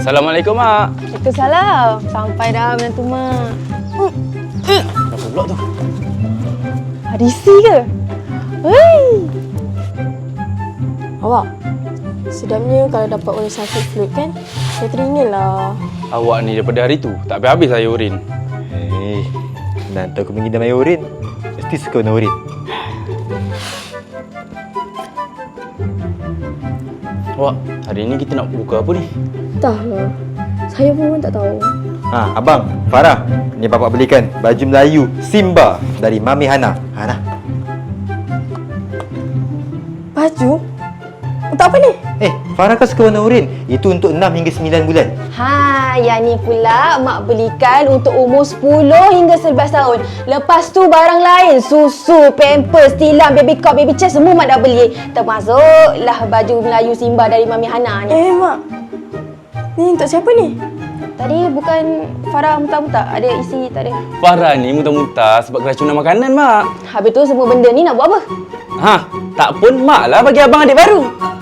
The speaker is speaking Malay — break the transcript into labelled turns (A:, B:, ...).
A: Assalamualaikum, Mak.
B: Waalaikumsalam. Sampai dah menantu Mak.
A: Dah pulak tu.
B: Hadisi ke? Hei. Awak, sedapnya kalau dapat orang sakit flu kan? Saya teringin lah.
A: Awak ni daripada hari tu tak habis-habis saya urin.
C: Hei, nanti aku mengidam air urin. Mesti suka warna urin.
A: Awak, hari ni kita nak buka apa ni?
B: Entahlah. Saya pun tak tahu.
C: Abang, Farah, ni bapak belikan baju Melayu Simba dari Mami Hana. Hana.
B: Baju? Untuk apa ni?
C: Farah kan suka warna urin. Itu untuk 6 hingga 9 bulan.
B: Yang ni pula Mak belikan untuk umur 10 hingga 11 tahun. Lepas tu barang lain, susu, pampers, tilam, baby cot, baby chair semua Mak dah beli. Termasuklah baju Melayu Simba dari Mami Hana ni. Mak, ni untuk siapa ni? Tadi bukan Farah muntah-muntah? Ada isi tak ada?
A: Farah ni muntah-muntah sebab keracunan makanan, Mak.
B: Habis tu semua benda ni nak buat apa?
A: Tak pun Mak lah bagi abang adik baru.